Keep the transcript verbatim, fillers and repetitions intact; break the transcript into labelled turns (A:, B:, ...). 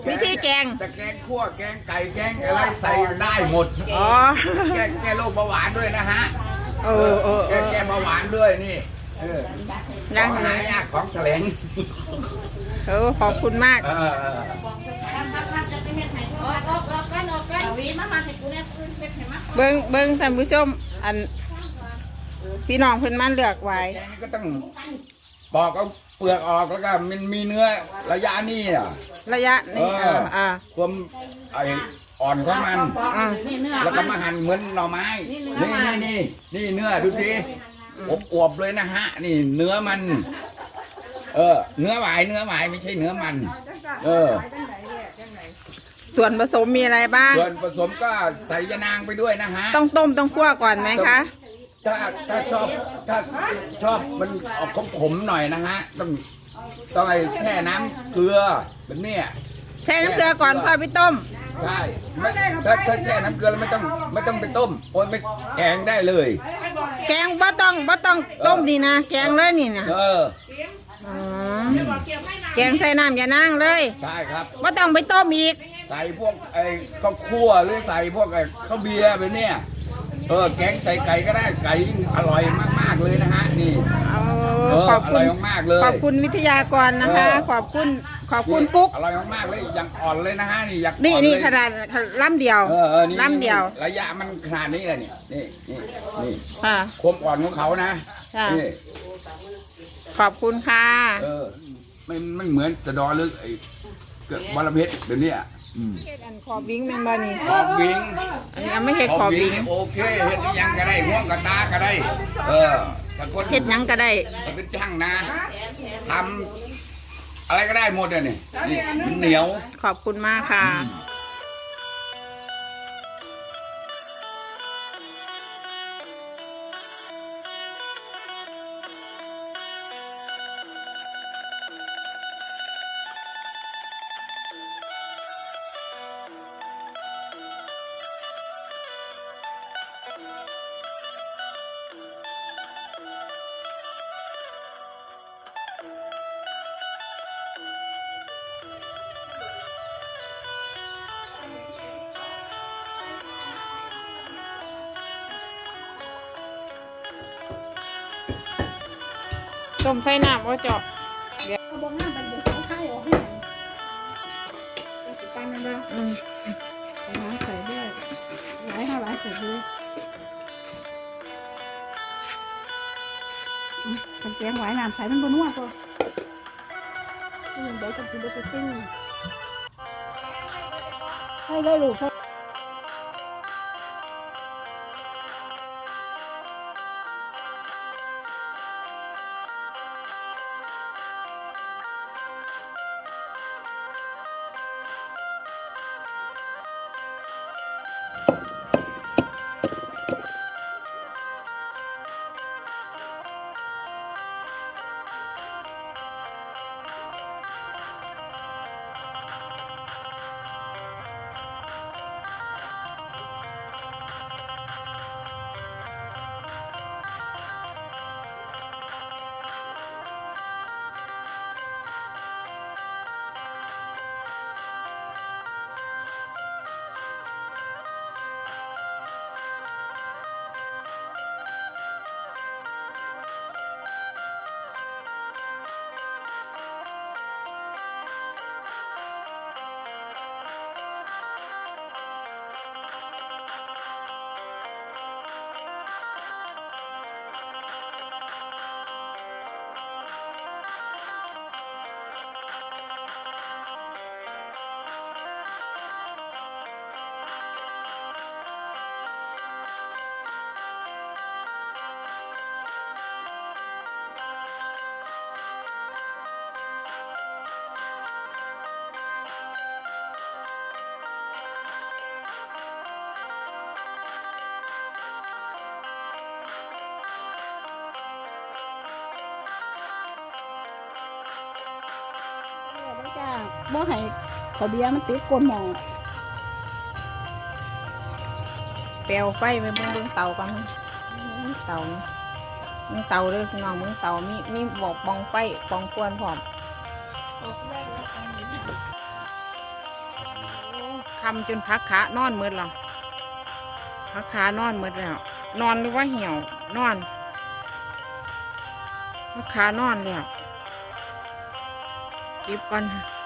A: วิธีแกง
B: แต่แกงคั่วแกงไก่แกงอะไรใส่ได้หมด
A: อ๋อ
B: แกแกโรคเบาหวานด้วยนะฮะ
A: เออเออ
B: แกแกเบาหวานด้วยนี่เออของหายากของแสลง
A: เออขอบคุณมากเบิ้งเบิ้งท่านผู้ชมอันพี่น้องเพิ่นมาเลือกไว้
B: แกงนี่ก็ต้องปอกเอาเปลือกออกแล้วก็มันมีเนื้อระยะนี้อ่ะ
A: ระยะนี้เอออ่า
B: ความไออ่อนของมันแล้วก็มาหั่นเหมือนหน่อไม้นี่นี่นี่นี่เนื้อดูดิอบอวบเลยนะฮะนี่เนื้อมันเออเนื้อหวายเนื้อหวายไม่ใช่เนื้อมันเออ
A: ส่วนผสมมีอะไรบ้าง
B: ส่วนผสมก็ใส่ยานางไปด้วยนะฮะ
A: ต้องต้มต้องคั่วก่อนไหมคะ
B: ถ้าถ้าชอบถ้าชอบมันออกขมๆหน่อยนะฮะต้องต้องไอ้แช่น้ำเกลือแบบเนี้ย
A: แช่น้ำเกลือก่อนค่อยไปต้ม
B: ใช่ถ้าถ้าแช่น้ำเกลือแล้วไม่ต้องไม่ต้องไปต้มโอนไปแกงได้เลย
A: แกงบ่ต้องบ่ต้องต้มดีนะแกงเลยนี่นะ
B: เออ
A: แกงใส่น้ำยานางเลย
B: ใช่ครับ
A: บ่ต้องไปต้มอีก
B: ใส่พวกไอ้ข้าวคั่วหรือใส่พวกไอ้ข้าวเบียร์ไปเนี่ยเออแกงใส่ไก่ก็ได้ไก่ยิ่งอร่อยมากๆเลยนะฮะนี่
A: ขอบคุณ
B: มากเลย
A: ขอบคุณวิทยากรนะคะขอบคุณขอบคุณกุ๊ก
B: อร่อยมากๆเลยอย่างอ่อนเลยนะฮะนี่อย่าง
A: นี่นี่ขนาดล่ำเดียวล่ำเดียว
B: ระยะมันขนาดนี้เลยนี่นี่นี่นี่
A: ค่ะ
B: ความอ่อนของเขานะนี่
A: ขอบคุณค่ะ
B: เออไม่ไม่เหมือนจะดอลึกไอ้เกิดบอลเพชรเดี๋ยวนี้
A: เฮ็ดอันขอบวิ่งแม่นบ่นี่
B: ขอบวิ่ง
A: อันนี้ไม่เฮ็ดขอบวิ่ง
B: โอเคเฮ็ดยังก็ได้ห่วงกระตาก็ได้เออ
A: เฮ็ดยังก็ได้
B: เป็นช่างนะทำอะไรก็ได้หมดเลยนี่นี่เหนียว
A: ขอบคุณมากค่ะต้มใส่น้ำว่าเจาะเดี๋ยวบ้องน้ำเป็นเดี๋ยวเขาให้ออกให้ปั้นนั่นเลยอืมน้ำใส่ด้วยหลายห้าหลายใส่ด้วยทำแกงหวายน้ำใส่มันบนหัวก็เดี๋ยวจะกินได้ไปปิ้งให้ได้ลูกบ่ให้ขอเบียร์มันติดก้นหม้อเปลวไฟไปเบิ่งเบิ่งเตาก่อนเตามึงเตาเลยพี่น้องมึงเตามีมีบอกปองไฟปองควนพร้อมคำจนพักขานอนมืดแล้วพักขานอนมืดแล้วนอนหรือว่าเหี่ยวนอนพักขานอนแล้วเก็บก่อน